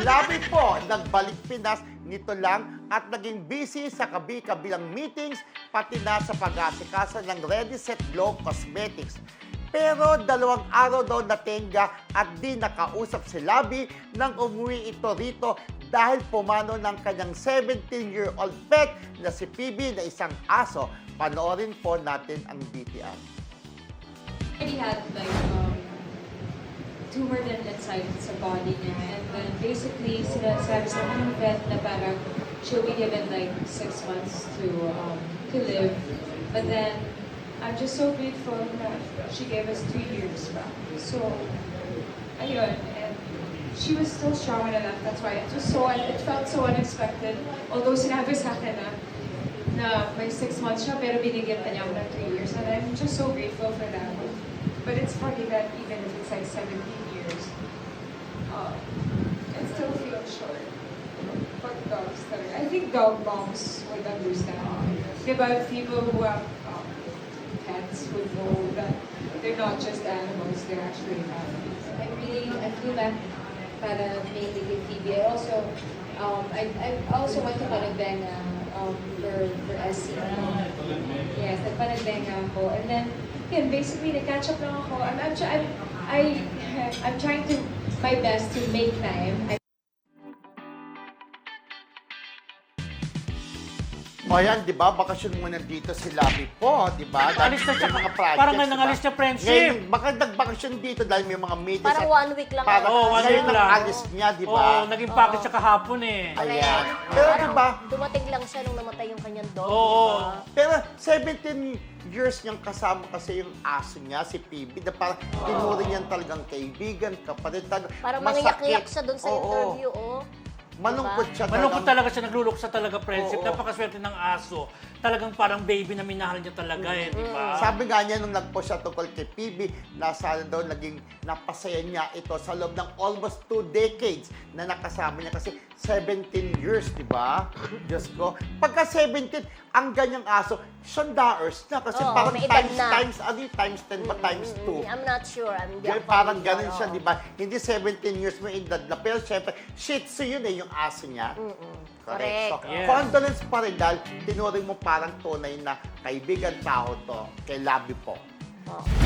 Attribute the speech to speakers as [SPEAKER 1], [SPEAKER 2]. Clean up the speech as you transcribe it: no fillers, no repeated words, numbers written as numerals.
[SPEAKER 1] Labi po, nagbalik Pinas nito lang at naging busy sa kabi-kabilang meetings pati na sa pag-asikasa ng Ready Set Glow Cosmetics. Pero 2 araw daw natenga at di nakausap si Labi nang umuwi ito rito dahil pumano ng kanyang 17-year-old pet na si PB na isang aso. Panoorin po natin ang BTR.
[SPEAKER 2] He had like tumor din inside sa body niya, and then basically sinasabi sa akin ng vet na parang she'll be given like 6 months to live, but then I'm just so grateful that she gave us 2 years back. So ayun, and she was still strong enough. That's why it felt so unexpected. Although sinabi sa akin na may 6 months siya, pero binigyan pa niya ako ng 3 years. And I'm just so grateful for that. But it's funny that even if it's like 17 years, it still feels short. For dogs, talaga. I think dog moms would understand. Diba, people who have pets would know that they're not just animals, they're actually families.
[SPEAKER 3] I feel that para mainly kay Phoebe. I also went to Panagbenga for SC. Yes, nagpanagbenga ako. And then, yun, basically, nag-catch up lang ako. I'm trying to my best to make time.
[SPEAKER 1] O yan, di ba? Bakasyon muna dito si Labi po, di ba?
[SPEAKER 4] Alis na siya,
[SPEAKER 1] mga projects,
[SPEAKER 4] parang nga
[SPEAKER 1] di ba?
[SPEAKER 4] nangalis niya friendship.
[SPEAKER 1] Ngayon, baka nagbakasyon dito dahil may mga meetings.
[SPEAKER 5] Parang 1 week lang.
[SPEAKER 1] Parang
[SPEAKER 4] Oo, 1 week
[SPEAKER 1] ngayon
[SPEAKER 4] lang.
[SPEAKER 1] ang alis niya, di ba?
[SPEAKER 4] Oo, naging package siya kahapon eh.
[SPEAKER 1] Ayan. Pero di ba?
[SPEAKER 5] Dumating lang siya nung namatay yung kanyang dog.
[SPEAKER 4] Oo.
[SPEAKER 5] Diba?
[SPEAKER 1] Pero 17 years niyang kasama kasi yung aso niya, si PB, na parang tinuring niyan talagang kaibigan, kapatid.
[SPEAKER 5] Parang
[SPEAKER 1] Masakit.
[SPEAKER 5] mangiyak-iyak siya doon sa
[SPEAKER 1] Oo.
[SPEAKER 5] interview, oh.
[SPEAKER 1] Malungkot siya
[SPEAKER 4] Malungkot
[SPEAKER 1] talagang-
[SPEAKER 4] talaga siya, nagluluksa talaga friendship.
[SPEAKER 1] Oo.
[SPEAKER 4] Napakaswerte ng aso. Talagang parang baby na minahal niya talaga eh, di ba?
[SPEAKER 1] Sabi nga niya nung nag-post siya tungkol kay PB, nasa daw naging napasaya niya ito sa loob ng almost 2 decades na nakasama niya kasi 17 years, di ba? Diyos ko. Pagka 17, ang ganyang aso, $100 na kasi
[SPEAKER 5] Oo,
[SPEAKER 1] parang
[SPEAKER 5] may edad
[SPEAKER 1] times,
[SPEAKER 5] na.
[SPEAKER 1] times 10 ba times 2?
[SPEAKER 5] I'm not sure.
[SPEAKER 1] Parang ganun siya, di ba? Hindi 17 years mo edad na. Pero syempre, Shih Tzu yun eh, yung aso niya. Correct. So,
[SPEAKER 5] Correct.
[SPEAKER 4] Yes.
[SPEAKER 1] condolence pa rin dahil tinuring mo parang tunay na kaibigan tao to kay Labi po.
[SPEAKER 5] Oh.